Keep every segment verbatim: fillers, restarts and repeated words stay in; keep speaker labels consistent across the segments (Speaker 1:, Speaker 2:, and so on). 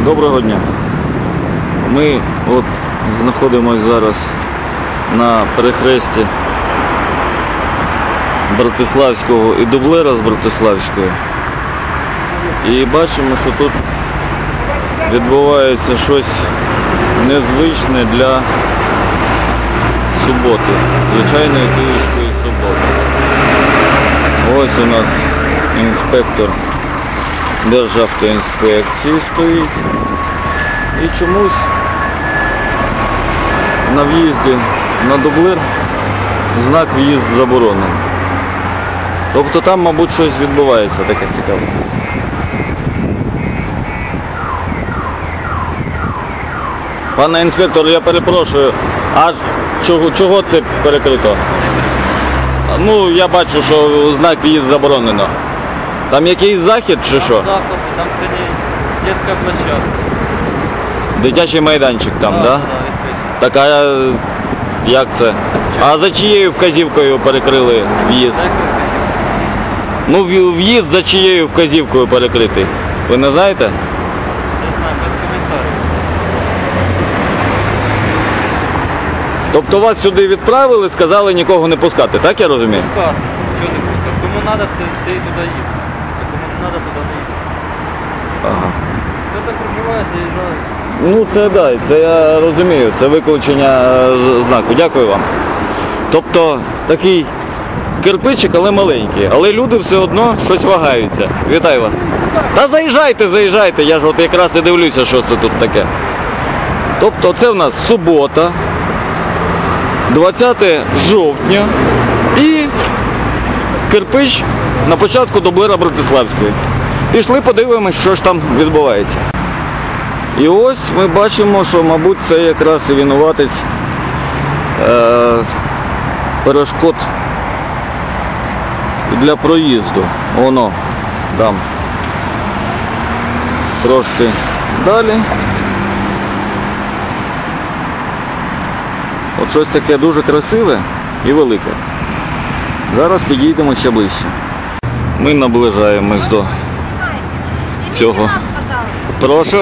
Speaker 1: Доброго дня. Ми от знаходимося зараз на перехресті Братиславського і Дублера з Братиславської. І бачимо, що тут відбувається щось незвичне для суботи, звичайної київської суботи. Ось у нас інспектор Державтоінспекції стоїть. І чомусь на в'їзді на Дублер знак «В'їзд заборонений». Тобто там, мабуть, щось відбувається таке цікаве. Пане інспектор, я перепрошую, а чого, чого це перекрито? Ну, я бачу, що знак «В'їзд заборонено». Там якийсь захід чи що?
Speaker 2: Там сьогодні дитяча площадка.
Speaker 1: Дитячий майданчик там, так? Да, да? Так, а як це? А за чиєю вказівкою перекрили в'їзд? Ну, в'їзд за чиєю вказівкою перекритий. Ви не знаєте?
Speaker 2: Не знаю, без коментарів.
Speaker 1: Тобто вас сюди відправили, сказали нікого не пускати, так я розумію?
Speaker 2: Пускати. Чого не пускати? Кому треба, ти, ти туди їдь. А кому не треба, туди не їдь.
Speaker 1: Ага.
Speaker 2: Хто так проживає, заїжджає.
Speaker 1: Ну це да, це я розумію, це виключення знаку. Дякую вам. Тобто такий кирпичик, але маленький. Але люди все одно щось вагаються. Вітаю вас. Та заїжджайте, заїжджайте, я ж от якраз і дивлюся, що це тут таке. Тобто це в нас субота, двадцяте жовтня і кирпич на початку Дублера Братиславської. Пішли подивимось, що ж там відбувається. І ось ми бачимо, що, мабуть, це якраз і винуватець е, перешкод для проїзду. Воно там трошки далі. От щось таке дуже красиве і велике. Зараз підійдемо ще ближче. Ми наближаємось до цього. Прошу.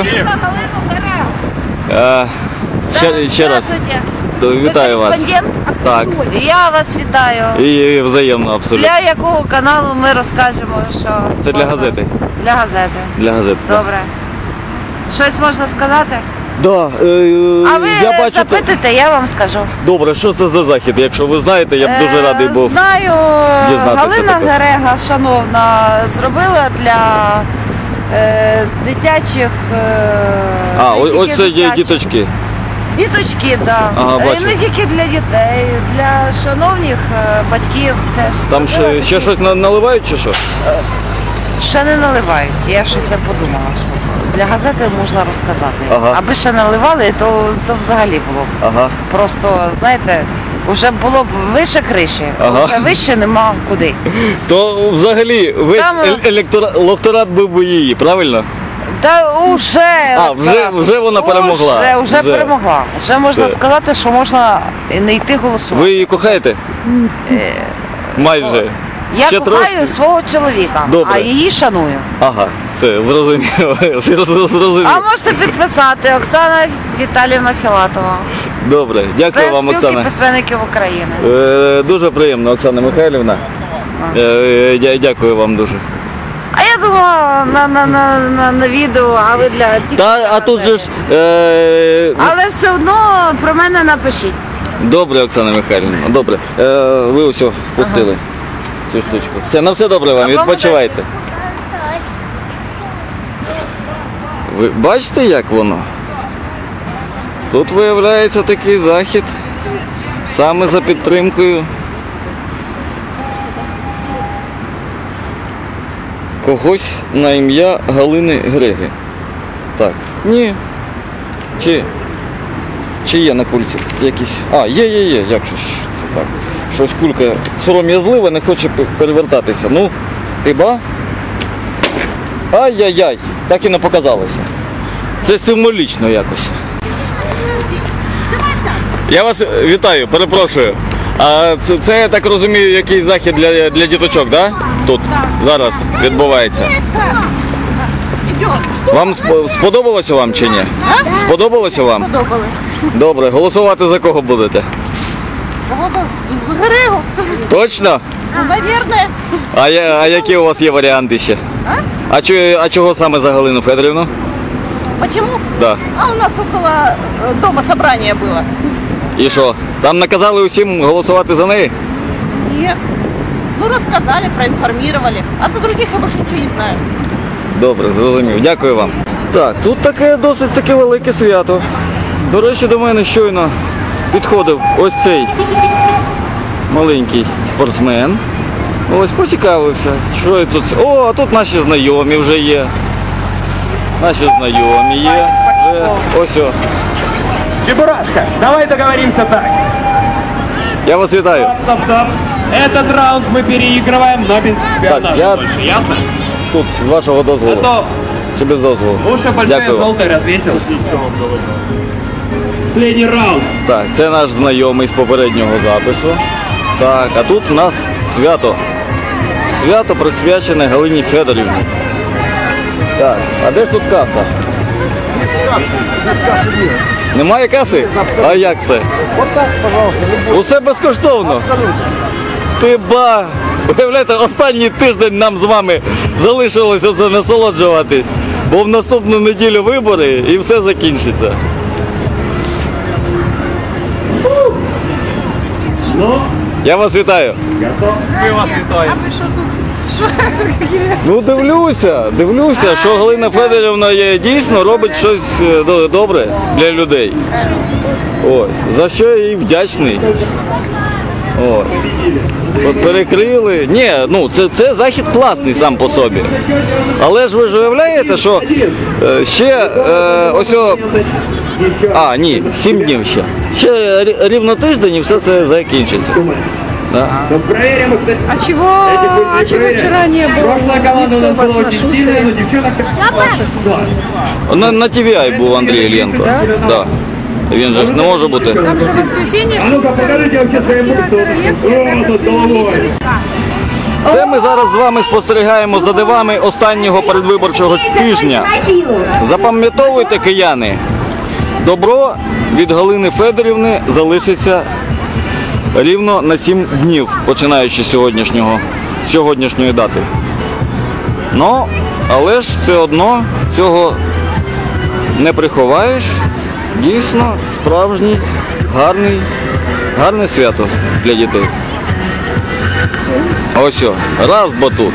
Speaker 1: А, ще, ще раз. Вітаю вас. Так.
Speaker 3: Я вас вітаю.
Speaker 1: І взаємно абсолютно.
Speaker 3: Для якого каналу ми розкажемо, що...
Speaker 1: Це для газети.
Speaker 3: Для газети.
Speaker 1: Для газети.
Speaker 3: Добре. Щось можна сказати?
Speaker 1: Да, е,
Speaker 3: а ви
Speaker 1: я бачу,
Speaker 3: запитуйте, я вам скажу.
Speaker 1: Добре, що це за захід? Якщо ви знаєте, я б дуже радий був.
Speaker 3: Знаю, Галина
Speaker 1: таке.
Speaker 3: Герега, шановна, зробила для е, дитячих... Е,
Speaker 1: а, ось, ось це є
Speaker 3: дитячих.
Speaker 1: діточки.
Speaker 3: Діточки, так. Да.
Speaker 1: Ага,
Speaker 3: І не тільки для дітей, для шановних е, батьків теж.
Speaker 1: Там ще, ще щось наливають чи що?
Speaker 3: Ще не наливають. Я щось подумала, що для газети можна розказати.
Speaker 1: Ага.
Speaker 3: Аби ще наливали, то, то взагалі було б.
Speaker 1: Ага.
Speaker 3: Просто, знаєте, вже було б вище криші,
Speaker 1: ага.
Speaker 3: вже вище нема куди.
Speaker 1: То взагалі весь
Speaker 3: Там...
Speaker 1: електорат, електорат був би її, правильно?
Speaker 3: Та уже,
Speaker 1: а, вже, вже вона перемогла.
Speaker 3: Вже, вже, вже. перемогла. Вже можна
Speaker 1: Все.
Speaker 3: сказати, що можна не йти голосувати.
Speaker 1: Ви її кохаєте?
Speaker 3: Е...
Speaker 1: Майже.
Speaker 3: Я
Speaker 1: Ще
Speaker 3: кохаю
Speaker 1: трошки?
Speaker 3: свого чоловіка,
Speaker 1: Добре.
Speaker 3: а її шаную.
Speaker 1: Ага, все, зрозуміло. зрозуміло.
Speaker 3: А можете підписати Оксана Віталіївна Філатова.
Speaker 1: Добре, дякую вам,
Speaker 3: Спілки
Speaker 1: Оксана.
Speaker 3: письменників України.
Speaker 1: Е, дуже приємно, Оксана Михайлівна. Е, я дякую вам дуже.
Speaker 3: А я думала на, на, на, на, на відео, а ви для тільки
Speaker 1: Та,
Speaker 3: для
Speaker 1: а тут же ж...
Speaker 3: газети.
Speaker 1: Е,
Speaker 3: Але все одно про мене напишіть.
Speaker 1: Добре, Оксана Михайлівна, добре. Е, ви усе впустили ага. цю штучку. Все, на все добре вам, відпочивайте. Ви бачите, як воно? Тут виявляється такий захід саме за підтримкою когось на ім'я Галини Греги. Так, ні. Чи, чи є на кульці якісь... А, є, є, є, як же ж це так? Щось кулька сором'язлива, не хоче перевертатися. Ну, хіба? Ай-яй-яй, так і не показалося. Це символічно якось. Я вас вітаю, перепрошую. А це, це я так розумію, якийсь захід для, для діточок, да? Тут зараз відбувається. Вам сп- сподобалося вам чи ні? Сподобалося вам?
Speaker 3: Подобалось.
Speaker 1: Добре, голосувати за кого будете?
Speaker 3: Григу.
Speaker 1: Точно?
Speaker 3: Ну, наверное.
Speaker 1: А, я, а які у вас є варіанти ще? А, чо, а чого саме за Галину Федорівну?
Speaker 3: Почему?
Speaker 1: Да.
Speaker 3: А у нас около э, дома собрание было.
Speaker 1: І що? Там наказали усім голосувати за неї?
Speaker 3: Нет. Ну, рассказали, проинформировали. А за других я больше ничего не знаю.
Speaker 1: Добре, зрозумів. Дякую вам. Так, тут таке досить таке велике свято. До речі, до мене щойно підходив ось цей маленький спортсмен. Ось поцікавився, що я тут. О, а тут наші знайомі вже є. Наші знайомі є. Вже ось о.
Speaker 4: Чебурашка, давай договоримся так.
Speaker 1: Я вас вітаю.
Speaker 4: Стоп, стоп. Этот раунд мы переигрываем, но без шпионажа
Speaker 1: я-
Speaker 4: больше, ясно?
Speaker 1: Тут з вашого
Speaker 4: А
Speaker 1: дозволу.
Speaker 4: то
Speaker 1: Чи без дозволу?
Speaker 4: уши большие
Speaker 1: Дякую вам.
Speaker 4: желтые развесил. Последний раунд.
Speaker 1: Так, це наш знайомий з попереднього запису. Так, а тут у нас свято. Свято присвячене Галині Федорівні. Так, а де ж тут каса?
Speaker 5: Здесь кассы нет.
Speaker 1: Немає каси? А як це?
Speaker 5: Вот так, пожалуйста, любой.
Speaker 1: Усе безкоштовно.
Speaker 5: Абсолютно.
Speaker 1: Ти ба! Уявляєте, останній тиждень нам з вами залишилось оце насолоджуватись, бо в наступну неділю вибори і все закінчиться.
Speaker 4: Ну,
Speaker 1: Я вас вітаю. Ну дивлюся, дивлюся, що Галина Федорівна є, дійсно робить щось е, до- добре для людей. Ось, за що я їй вдячний. Ось. От перекрили. Ні, ну це, це захід класний сам по собі. Але ж ви ж уявляєте, що е, ще е, ось о, а, ні, сім днів ще. Ще рі- рівно тиждень і все це закінчиться. Да.
Speaker 4: ну, проверим их. кстати.
Speaker 6: А чего,
Speaker 4: Эти пусть
Speaker 6: а
Speaker 4: не
Speaker 6: чего
Speaker 4: проверят.
Speaker 6: вчера не было?
Speaker 4: Прошлая команда у нас
Speaker 6: Никто вас
Speaker 4: была
Speaker 6: на
Speaker 4: очень
Speaker 6: шустрые.
Speaker 4: сильная, но девчонок так.
Speaker 1: На, на Ті Ві Ай був Андрій Іллєнко. Да. Він же ж не може бути.
Speaker 6: Там же воскресенье,
Speaker 4: А ну-ка, покажите вообще свои
Speaker 6: Сила
Speaker 4: мышцы.
Speaker 6: Королевская,
Speaker 4: О,
Speaker 6: так
Speaker 4: тут
Speaker 6: как
Speaker 4: головой.
Speaker 6: лидер.
Speaker 1: Це ми зараз з вами спостерігаємо за дивами останнього передвиборчого тижня. Запам'ятовуйте, кияни, добро від Галини Федорівни залишиться рівно на сім днів, починаючи з сьогоднішнього, з сьогоднішньої дати. Ну, але ж все одно цього не приховаєш. Дійсно, справжній, гарний, гарне свято для дітей. Ось о, раз батут.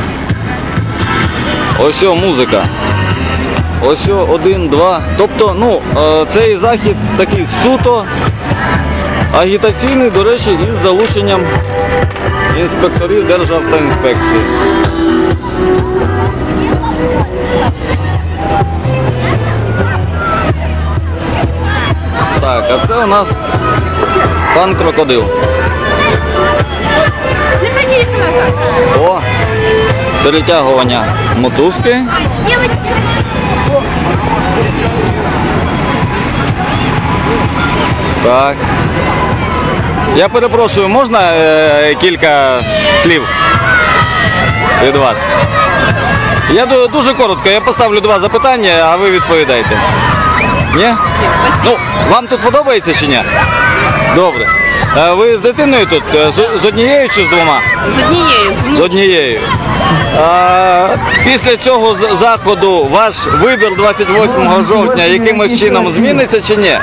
Speaker 1: Ось о, музика. Ось о, один, два. Тобто, ну, е, цей захід такий суто агітаційний, до речі, із залученням інспекторів Державтоінспекції. Так, а це у нас пан Крокодил. О, перетягування мотузки. Так. Я перепрошую, можна е, кілька слів від вас? Я ду- дуже коротко, я поставлю два запитання, а ви відповідаєте. Ні? Ну, вам тут подобається чи ні? Добре. Е, Ви з дитиною тут? Е, З, з однією чи з двома?
Speaker 3: З однією, з
Speaker 1: З однією. А, після цього з- заходу ваш вибір двадцять восьмого жовтня якимось чином зміниться чи ні?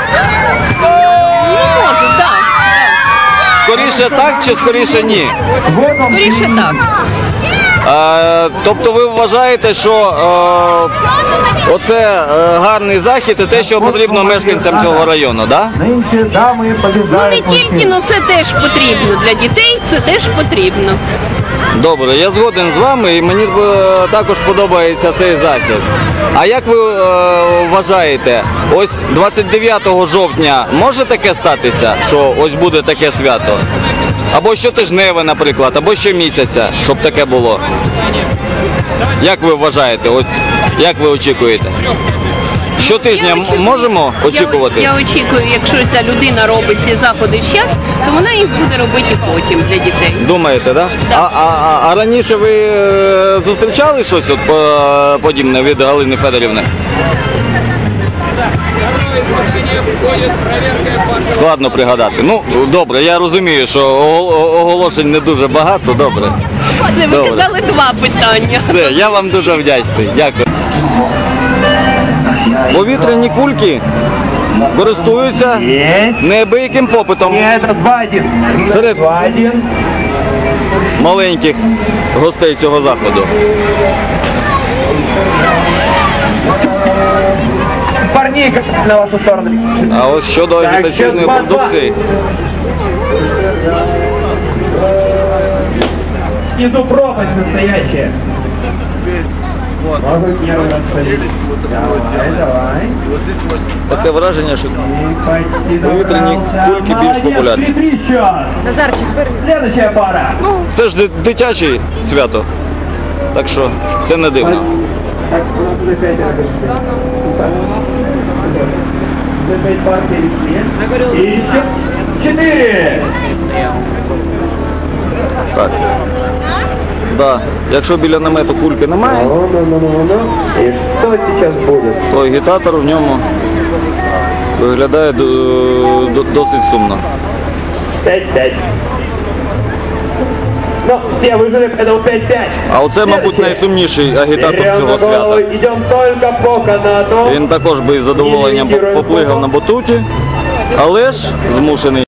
Speaker 3: може, так.
Speaker 1: Скоріше так чи скоріше ні?
Speaker 3: Скоріше так.
Speaker 1: А, тобто ви вважаєте, що е, оце е, гарний захід і те, що потрібно мешканцям цього району, так? Да?
Speaker 5: Нынче дамы
Speaker 6: Ну
Speaker 5: побеждают.
Speaker 6: не тільки, але це теж потрібно. Для дітей це теж потрібно.
Speaker 1: Добре, я згоден з вами і мені е, також подобається цей захід. А як ви е, вважаєте, ось двадцять дев'ятого жовтня може таке статися, що ось буде таке свято? Або щотижневе, наприклад, або щомісяця, щоб таке було? Як ви вважаєте? От, як ви очікуєте? Щотижня
Speaker 6: Я
Speaker 1: м-
Speaker 6: очікую-
Speaker 1: можемо очікувати?
Speaker 6: Я, я очікую, якщо ця людина робить ці заходи ще, то вона їх буде робити потім для дітей.
Speaker 1: Думаєте, да? А, а, а, а раніше ви е, зустрічали щось от по- подібне від Галини Федорівни? Складно пригадати. Ну, добре, я розумію, що огол- оголошень не дуже багато, добре.
Speaker 6: Це ви
Speaker 1: Добре.
Speaker 6: казали два питання.
Speaker 1: Все, я вам дуже вдячний. Дякую. Повітряні кульки користуються неабияким попитом
Speaker 4: Это два один.
Speaker 1: серед
Speaker 4: два один.
Speaker 1: маленьких гостей цього заходу.
Speaker 4: Парней как на вашу сторону.
Speaker 1: А ось щодо
Speaker 4: Так,
Speaker 1: агітаційної
Speaker 4: ще два-два.
Speaker 1: продукції,
Speaker 4: Иду пропасть настоящая. Могу первый раз ходить. Давай, давай.
Speaker 1: таке враження, що
Speaker 4: Почти
Speaker 1: Повітряні
Speaker 4: добрался.
Speaker 1: кульки більш
Speaker 4: Молодец,
Speaker 1: популярні.
Speaker 4: три-три счет.
Speaker 3: Назарчик, бери.
Speaker 4: Следующая пара.
Speaker 1: це ж ди- дитяче свято. Так що це не дивно.
Speaker 4: Так, у нас уже пять раз. Уже пять пар перешли. И еще четыре.
Speaker 1: Так. Да. Якщо біля намету кульки немає,
Speaker 4: Ну, ну, ну, ну, ну. И что сейчас будет?
Speaker 1: то агітатор в ньому виглядає до- до- досить сумно.
Speaker 4: пять-пять. Ну, все выжили, поэтому пять-пять.
Speaker 1: А оце, мабуть, найсумніший агітатор
Speaker 4: Берем
Speaker 1: цього
Speaker 4: на голову,
Speaker 1: свята.
Speaker 4: идем только по канату.
Speaker 1: Він також би із задоволенням поплигав на батуті, але ж змушений